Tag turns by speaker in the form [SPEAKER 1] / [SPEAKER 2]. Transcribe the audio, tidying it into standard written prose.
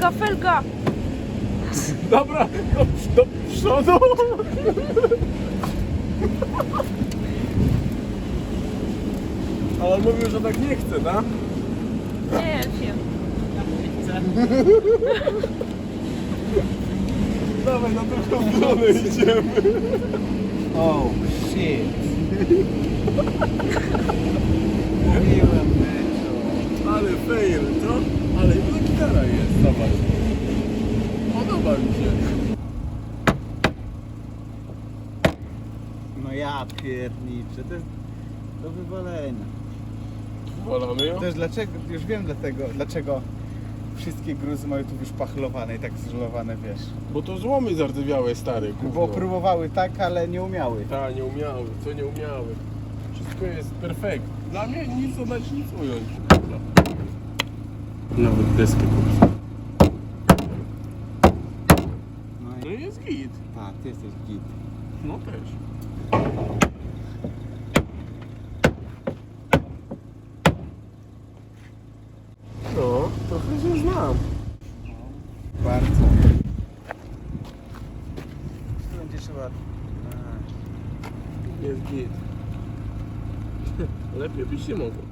[SPEAKER 1] felga, felga!
[SPEAKER 2] Dobra, do przodu. Ale on mówił, że tak nie chce, tak?
[SPEAKER 1] Nie wiem.
[SPEAKER 2] Dawaj, na drugą stronę idziemy.
[SPEAKER 3] Oh shit. Mówiłem, Myczo.
[SPEAKER 2] Ale fail, co? Ale inna gitara jest, zobacz. Podoba mi się.
[SPEAKER 3] No ja pierniczę, to jest do wywalenia.
[SPEAKER 2] Wolamy ją?
[SPEAKER 3] Też dlaczego, już wiem dlaczego wszystkie gruzy mają tu wyszpachlowane i tak zżelowane, wiesz.
[SPEAKER 2] Bo to złomy zardzewiałe, stary,
[SPEAKER 3] Bo
[SPEAKER 2] gówno.
[SPEAKER 3] próbowały tak, ale nie umiały.
[SPEAKER 2] Tak, nie umiały, co nie umiały. Wszystko jest perfekt. Dla mnie nic dodać, nic ująć. Nawet deskę kupić.
[SPEAKER 3] No
[SPEAKER 2] No
[SPEAKER 3] i
[SPEAKER 2] i jest git.
[SPEAKER 3] tak, ty jesteś git.
[SPEAKER 2] No też. No, trochę się znam.
[SPEAKER 3] Bardzo. Tu będzie trzeba...
[SPEAKER 2] Jest git. Lepiej byś się mogło.